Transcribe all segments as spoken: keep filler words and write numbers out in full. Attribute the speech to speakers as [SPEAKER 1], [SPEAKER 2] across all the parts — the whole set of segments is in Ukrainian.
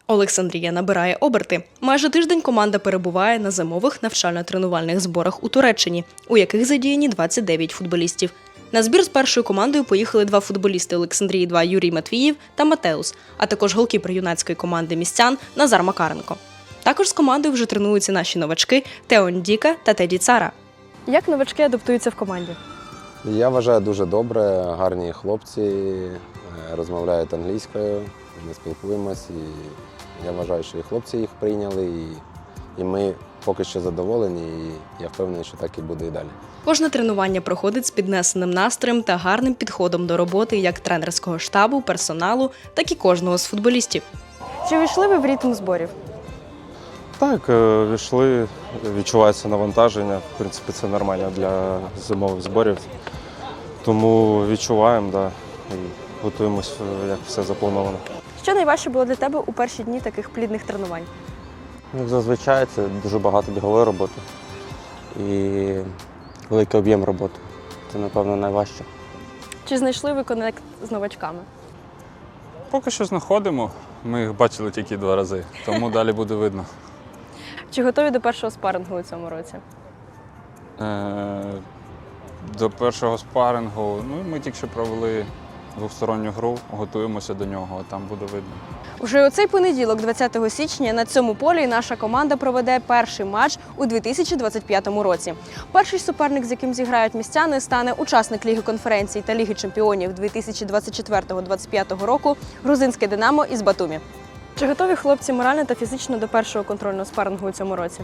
[SPEAKER 1] Олександрія набирає оберти. Майже тиждень команда перебуває на зимових навчально-тренувальних зборах у Туреччині, у яких задіяні двадцять дев'ять футболістів. На збір з першою командою поїхали два футболісти Олександрії два Юрій Матвіїв та Матеус, а також голкіпер юнацької команди містян Назар Макаренко. Також з командою вже тренуються наші новачки Тео Ндіка та Теді Цара. Як новачки адаптуються в команді?
[SPEAKER 2] Я вважаю дуже добре, гарні хлопці, розмовляють англійською, ми спілкуємось, і я вважаю, що і хлопці їх прийняли, і, і ми поки що задоволені, і я впевнений, що так і буде і далі.
[SPEAKER 1] Кожне тренування проходить з піднесеним настроєм та гарним підходом до роботи як тренерського штабу, персоналу, так і кожного з футболістів. Чи війшли ви в ритм зборів?
[SPEAKER 3] Так, війшли, відчувається навантаження, в принципі, це нормально для зимових зборів. Тому відчуваємо, да, і готуємось, як все заплановано.
[SPEAKER 1] Що найважче було для тебе у перші дні таких плідних тренувань?
[SPEAKER 4] Як зазвичай, це дуже багато бігової роботи і великий об'єм роботи. Це, напевно, найважче.
[SPEAKER 1] Чи знайшли ви конект з новачками?
[SPEAKER 5] Поки що знаходимо. Ми їх бачили тільки два рази, тому далі буде видно.
[SPEAKER 1] Чи готові до першого спарингу у цьому році?
[SPEAKER 5] Е, До першого спарингу, ну, ми тільки що провели двосторонню гру, готуємося до нього, а там буде видно.
[SPEAKER 1] Уже у цей понеділок, двадцятого січня, на цьому полі наша команда проведе перший матч у дві тисячі двадцять п'ятому році. Перший суперник, з яким зіграють містяни, стане учасник Ліги конференцій та Ліги чемпіонів дві тисячі двадцять четвертого - двадцять п'ятого року грузинське «Динамо» із Батумі. Чи готові хлопці морально та фізично до першого контрольного спарингу у цьому році?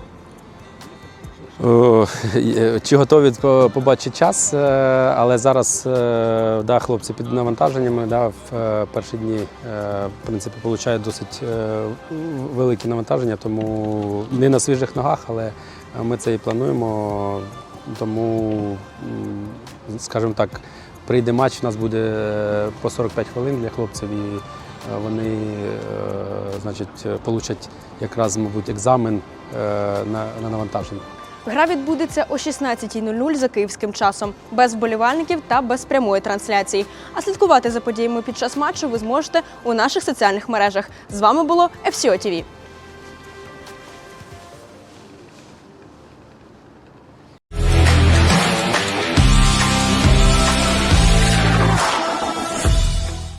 [SPEAKER 6] О, Чи готові побачити час, але зараз да, хлопці під навантаженнями, да, в перші дні в принципі, отримують досить великі навантаження, тому не на свіжих ногах, але ми це і плануємо, тому, скажімо так, прийде матч, у нас буде по сорок п'ять хвилин для хлопців, і вони, значить, получать якраз, мабуть, екзамен на, на навантаження.
[SPEAKER 1] Гра відбудеться о шістнадцятій нуль нуль за київським часом, без вболівальників та без прямої трансляції. А слідкувати за подіями під час матчу ви зможете у наших соціальних мережах. З вами було еф сі о ті ві.